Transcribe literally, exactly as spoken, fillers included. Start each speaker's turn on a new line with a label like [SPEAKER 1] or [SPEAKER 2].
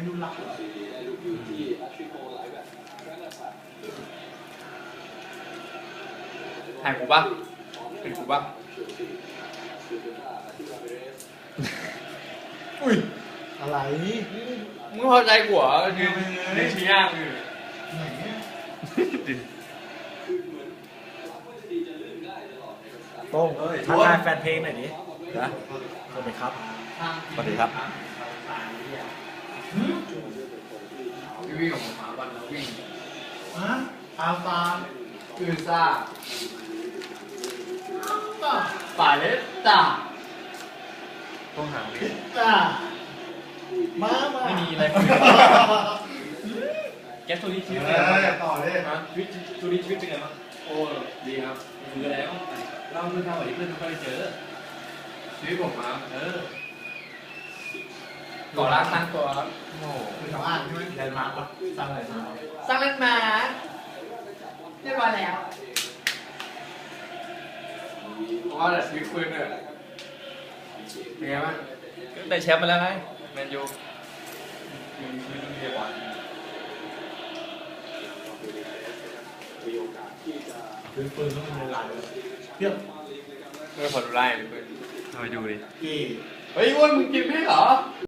[SPEAKER 1] ดูหลัก
[SPEAKER 2] ถ่ายกูปะเป็นกูปะอุ้ย
[SPEAKER 1] อะไร
[SPEAKER 2] มึงพอใจกูเหรอคือในชี้ย่างคือ
[SPEAKER 1] ไหนเนี่ยโต้งทักทายแฟนเพลงหน่อยดินะสวัสดีครับสวัสดีครับ
[SPEAKER 2] วิ่งออกมาวันแล้ววิ่ง
[SPEAKER 1] ฮะอาฟา
[SPEAKER 2] อือซ่าปาเลตตาต้องหาเลย
[SPEAKER 1] จ้ามามา
[SPEAKER 2] ไม่มีอะไรแกสโซลี่ชีวิตเป็นไงบ้าง
[SPEAKER 1] ต่อเลย
[SPEAKER 2] ฮะชีวิตชีวิตชีวิตเป็นไงบ้างโอ้ดีครับคืออะไรบ้างเล่าเพื่อนเล่าอะไรเพื่อนไม่ค่อยเจอชีวิตผมมาเออก่อร่างสร้างตัวครับโอ้โห
[SPEAKER 1] คือชาวบ้านใช่ไหมแลนด์มาร์คปะสร้างอะไรมา
[SPEAKER 2] สร้างเล่นมาเรียบร้อยแล้วเพราะว่าแต่ชีวิตปืนเนี่ยเป็นไงบ้างได้แชมป์มาแล้วไงแมนยูชีวิตชีวิตเรียบร้อย
[SPEAKER 1] คือปืนต้องมีลายเลยเทียบ
[SPEAKER 2] เมื่อพอดูไล่เลยเพื่อนทำไมดูดิ
[SPEAKER 1] กี่
[SPEAKER 2] เฮ้ยอ้วนมึงกินไม่เหรอ